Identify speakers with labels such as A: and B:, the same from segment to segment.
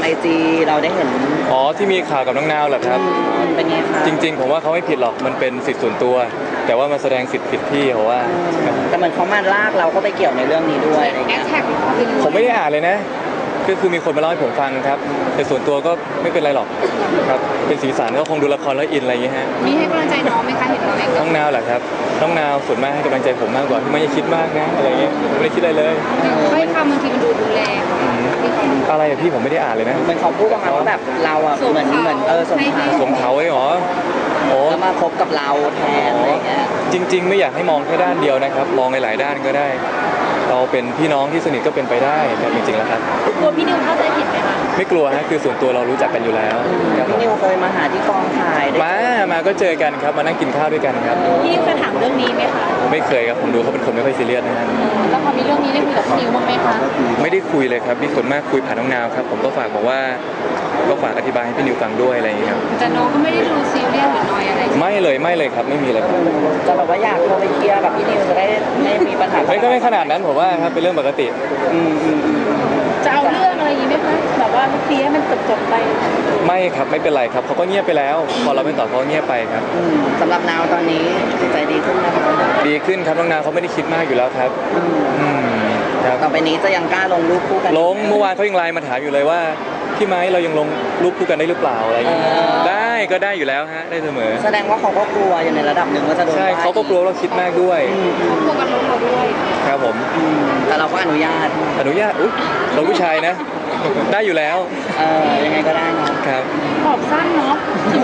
A: IG เราได้เห็น
B: อ๋อที่มีข่าวกับน้องนาวเหรอครับ
A: เป็นไงคะ
B: จริงๆผมว่าเขาไม่ผิดหรอกมันเป็นสิทธิส่วนตัว แต่ว่ามาแสดงสิทธิ์ผิดที่เขาว่า
A: แต่เหมือนเขามาลากเราก็ไปเกี่ยวในเรื่องนี้ด้วยอะไรเงี้ย
B: ผมไม่ได้อ่านเลยนะก็คือมีคนมาเล่าให้ผมฟังครับแต่ส่วนตัวก็ไม่เป็นไรหรอกครับเป็นสีสันก็คงดูละครแล้วอินอะไรอย่างเงี้ยฮะ
C: มีให้กำลังใจน้องไหมคะเห็นน้องเอง
B: น้องนาวเหรอครับน้องนาวส่วนมากให้กำลังใจผมมากกว่าที่ไม่ได้คิดมากนะอะไรเงี้ยไม่ได้คิดอะไรเลย
C: ให้คำบางทีมันดูแรง
B: อะไรอะพี่ผมไม่ได้อ่านเลยนะ
A: เหมือนเขาพูดประมาณว่าแบบเราอะเหมือน
B: สงเขาไว้หรอโอ้
A: แล้วมาคบกับเราแทนอะไรเงี้ย
B: จริงๆไม่อยากให้มองแค่ด้านเดียวนะครับมองในหลายด้านก็ได้เราเป็นพี่น้องที่สนิทก็เป็นไปได้แต่จริงๆแล้วครับ
C: กลัวพี่นิวเข้าใจผิดไหมคะ
B: ไม่กลัวฮะคือส่วนตัวเรารู้จักกันอยู่แล้ว
A: พี่นิวเคยมาหาที่กองถ่าย
B: มาก็เจอกันครับมานั่งกินข้าวด้วยกันครับ
C: พี่นิวเคยถามเรื่องนี้ไหมคะ
B: ไม่เคยครับผมดูเขาเป็นคนไม่ค่อยซีเรียสนะฮะ
C: แล้วพอมีเรื่องนี้ได้คุยกับพี่นิวบ้างไหมคะ
B: ไม่ได้คุยเลยครับนี่ส่วนมากคุยผ่านน้องนาวครับผมก็ฝากบอกว่าก็ฝากอธิบายให้พี่นิวฟังด้วยอะไรอย่างเงี้ยครับ
C: แต่น้องก็ไม่ได้ดูซีเรียสหรือน้อยอะไร
B: ไม่เลยครับไม่มีเลย
A: จะแบบว่าอยากโทรไปเคลียร์กับพี่นิวจะได้ไม่มีปัญหา
B: ก็ไม่ขนาดนั้นผมว่าครับเป็นเรื่องปกติ
C: จะเอาเรื่องอะไรอย่างนี้ไหมคะแบบว่าเคลียร์มันจบไป
B: ไม่ครับไม่เป็นไรครับเขาก็เงียบไปแล้วพอเราไม่ตอบเขาเงียบไปครับ
A: สำหรับนาวตอนนี้จิตใจดีขึ้นนะครับ
B: ดีขึ้นครับน้องนาวเขาไม่ได้คิดมากอยู่แล้วครับ
A: ต่อไปนี้จะยังกล้าลงรูปคู่กัน
B: ลงเมื่อวานเขายังไลน์มาถามอยู่เลยว่าพี่ไม้เรายังลงรูปคู่กันได้หรือเปล่าอะไรอย่างเงี้ยได้ก็ได้อยู่แล้วฮะได้เสมอ
A: แสดงว่าเขาก็กลัวอยู่ในระดับหนึ่งว่าจะโดน
B: ใช่เขาก็กลัวเราคิดมากด้วย
C: เขากลัวกันลงเราด้วย
B: ครับผม
A: แต่เราก็อนุญาต
B: อุ๊ยเราผู้ชายนะได้อยู่แล้ว
A: ยังไงก็ได้เนาะ
B: ครับ
C: ขอบสั้นเนาะ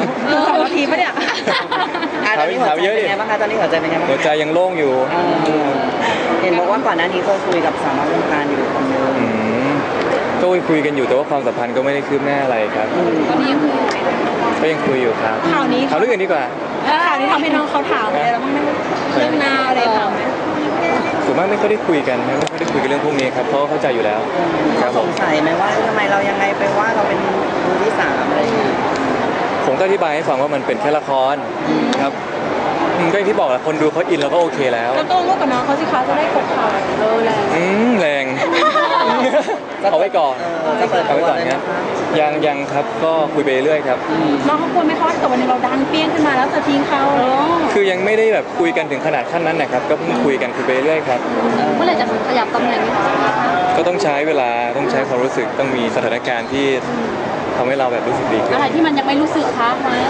C: 2 นาทีปะเนี่ย
A: ตอนนี้หัวใจเป็นไงบ้างคะตอนนี้หัวใจเป็นไงบ้าง
B: หัวใจยังโล่งอยู่
A: เห็นบอกว่าก่อนหน้านี้เคยคุยกับสาววงการอยู่คนนึง
B: ก็คุยกันอยู่แต่ว่าความสัมพันธ์ก็ไม่ได้คืบหน้าอะไรครับ
C: ตอนนี้ยังคุยอยู่ไหม
B: ก็ยังคุยอยู่ครับ
C: ข่าวนี้
B: ข่าวเรื่องอื่นดีกว่า
C: ข่าวนี้ทำให้น้องเขาถามอะไรแล้วบ้างไหมเรื่องนาอะไรถามไหม
B: ส่วนมากไม่ค่อยได้คุยกันไม่ค่อยได้คุยกันเรื่องพวกนี้ครับเพราะเข้าใจอยู่แล้ว
A: เขาสงสัยไหมว่าทำไมเรายังไงไปว่าเราเป็นมือที่3อะไรอย่างเงี้ย
B: ผมก็อธิบายให้ฟังว่ามันเป็นแค่ละครครับก็อย่างที่บอกแหละคนดูเขาอินแล้วก็โอเคแล้ว
C: แล้วต้องร่วมกับน้องเขาสิคะจะได้กดข่าว
B: แรงเอาไว้ก่อนเอาไว้ก่อนครับยังครับก็คุยไปเรื่อยครับ
C: น้องเขาควรไหมคะแต่วันนึงเราดังเปี้ยงขึ้นมาแล้วจะทิ้งเขา
B: คือยังไม่ได้แบบคุยกันถึงขนาดขั้นนั้นนะครับก็เพิ่งคุยกันคุยไปเรื่อยครับ
C: เมื่อไหร่จะขยับตำแหน่ง
B: ก็ต้องใช้เวลาต้องใช้ความรู้สึกต้องมีสถานการณ์ที่ทำให้เราแบบรู้สึกดีขึ้น
C: อะไรที่มันยังไม่รู้สึกคะ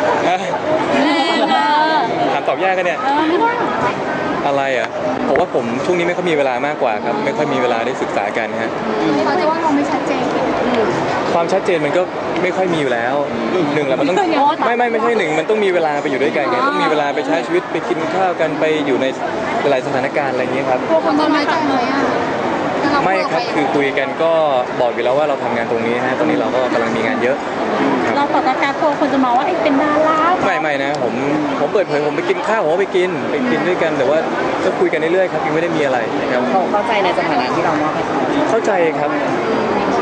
B: ถามตอบยากกันเนี่ย
C: ไม่ได้
B: อะไรอ่ะผมว่าผมช่วงนี้ไม่ค่อยมีเวลามากกว่าครับไม่ค่อยมีเวลาได้ศึกษากันฮะ
C: เขาจะว่าเราไม่ชัดเจน
B: ความชัดเจนมันก็ไม่ค่อยมีอยู่แล้วหนึ่งแหละมันต้องไม่ใช่หนึ่งมันต้องมีเวลาไปอยู่ด้วยกันไงต้องมีเวลาไปใช้ชีวิตไปกินข้าวกันไปอยู่ในหลายสถานการณ์อะไรอย่างเงี้ยครับ
C: พวกคนจะน้อยใจเลยอ่ะ
B: ไม่ครับคือคุยกันก็บอกอยู่แล้วว่าเราทำงานตรงนี้ฮะตอนนี้เราก็กำลังมีงานเยอะ
C: เราต่อการโตคนจะมองว่าเป็นดารา
B: ไม่นะผมเปิดเผยผมไปกินข้าวผมไปกินด้วยกันแต่ว่าก็คุยกันเรื่อยๆครับยังไม่ได้มีอะไรนะครับ
A: เขาเข้าใจในสถานะที่เรามอบให้เขา
B: เข้าใจครับ